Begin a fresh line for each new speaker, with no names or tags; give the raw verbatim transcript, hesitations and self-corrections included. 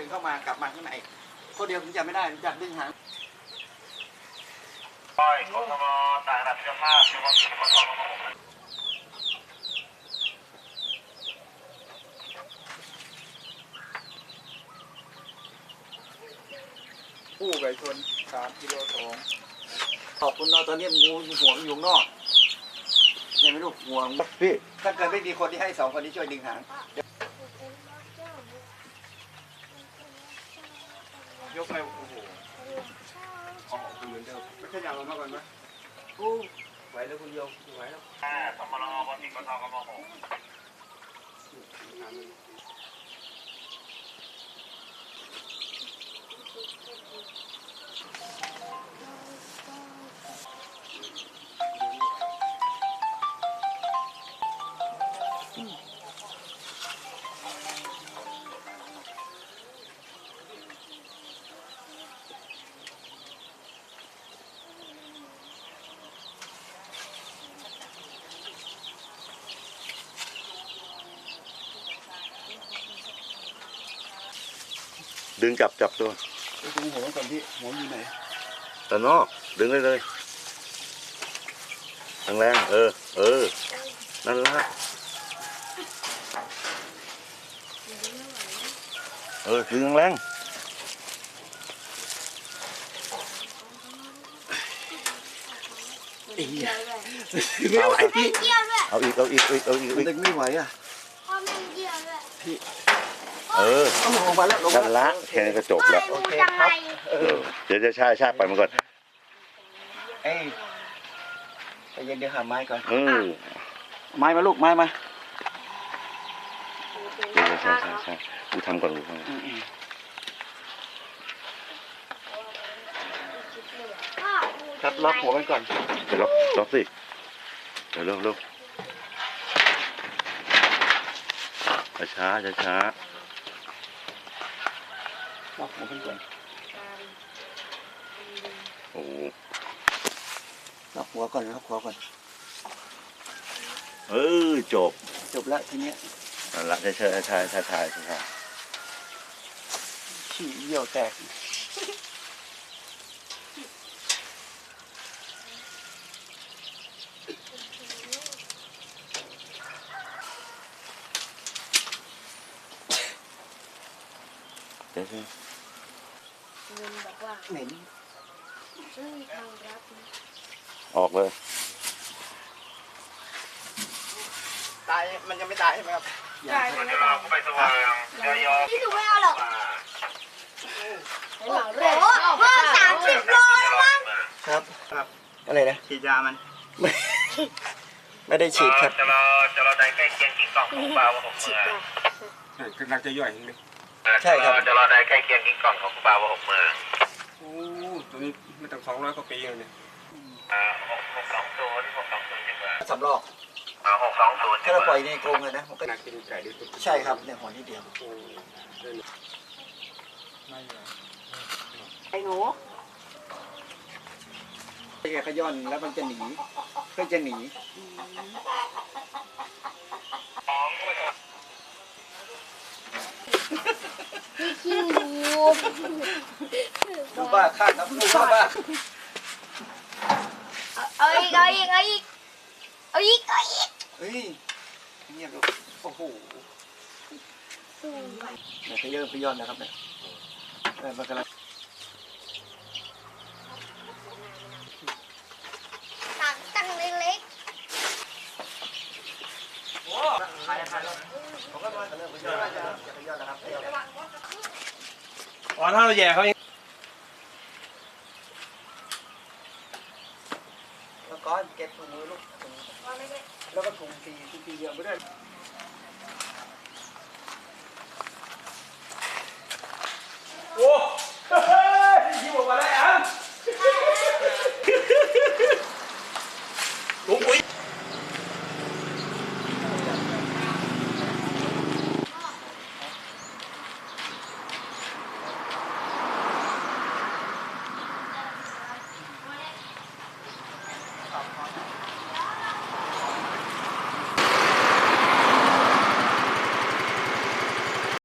เข้ามากลับมาข้างในคนเดียวผมจำไม่ได้จับดึงหางปล่อยกทมต่างระดับเสื้อผ้าเฉพาะกิจกทมผู้ไก่ชนสามกิโลสองขอบคุณเราตอนนี้งูหัวมันอยู่นอกใช่ไหมลูกหัวพี่ถ้าเกิดไม่มีคนที่ให้สองคนนี้ช่วยดึงหางยกไปโอ้โหออกเหมือนเดิมไม่ขยับออกมาก่อนไหมโอ้ไหวแล้วคุณโยมไหวแล้วอ่าสมรอวันที่กทมหก
ดึงจับจับตัว
ดึงหัวก่อนพี่หัวอยู่ไหน
แต่นอกดึงเลยเลยแรงๆเออเออนั่นละเออดึงแรง
ไม่ไหวพี่
เอาอีกเอาอีกเอาอีกเอาอีก
ดึงไม่ไหวอ่ะพี่
เออ
เอาลงมาแล้วลงมา
ละแค่นี้ก็จบแล้ว
โอเคครับ
เดี๋ยวจะช่าช่าไปมันก่อน
เอ้ยไปเย็นเดี๋ยวหาไม้ก่อน
เออ
ไม้มาลูกไม้มา
เดี๋ยวใช่ใช่ใช่กูทำก่อนกูทำ
ครับล็อกหัวกันก่อน
เดี๋ยวล็อกล็อกสิเดี๋ยวเร็วเร็วช้าช้าช้า
ล็อกหัวกันก่อน
โอ้
ล็อกหัวก่อนล็อกหัวก่อน
เออจบ
จบแล้วทีเนี้ย
นั่นละใช่ใช่ใช่ใช่ใช่ใช่
ขี้เยี่ยวแตก
เดี๋ยวสิ
เหม็น
ออกเลย
ตายมันยังไม่ตายใช่ไหมครับ
ตายยังไม่ตายไปสว่างที่ถูกไม่เอาหรอกโอ้โหสามสิบโลแล้วมั้ง
ครับครับอะไรนะ
ฉีดยามัน
ไม่ไม่ได้ฉีดครับ
จะรอจะรอได้ใกล้เคียงกี่กล่องของปลาว่าหกเมื่อ
คือนักจะย่อยเลย
ใช่ครับจะรอได้ใกล้เคียงกี่กล่องของปลาว่าหกเมื่อ
โอ้ตัวนี้ไม่ต้องสองร้อยกว่าปีเลยเนี่ย
อ่าหกหกสองศูนย์หกสองศูนย์ใช่ไหม
สำรอก
อ่าหกสองศูนย์
ถ้าเราปล่อยในกรงเลยนะมันก็
น่ากินไก่ดีสุด
ใช่ครับในหัวนิดเดียว
ไอ้หนู
ไอ้แกขย้อนแล้วมันจะหนีก็จะหนี
ขี้งู
ดูบ้าข้างนะดูบ้าบ้า
เอาอีกเอาอีกเอาอีกเอาอีกเอาอีก
เฮ้ยเงียบลูกโอ้โหเนี่ยขย้อนขย้อนนะครับเนี่ยมันกำลัง
ตังตังเล็ก
ๆโอ้ใครใครผมก็มาเริ่มขย้อนแล้วจะขย้อนแล้วครับ
อ๋อถ้าเราแย่เขา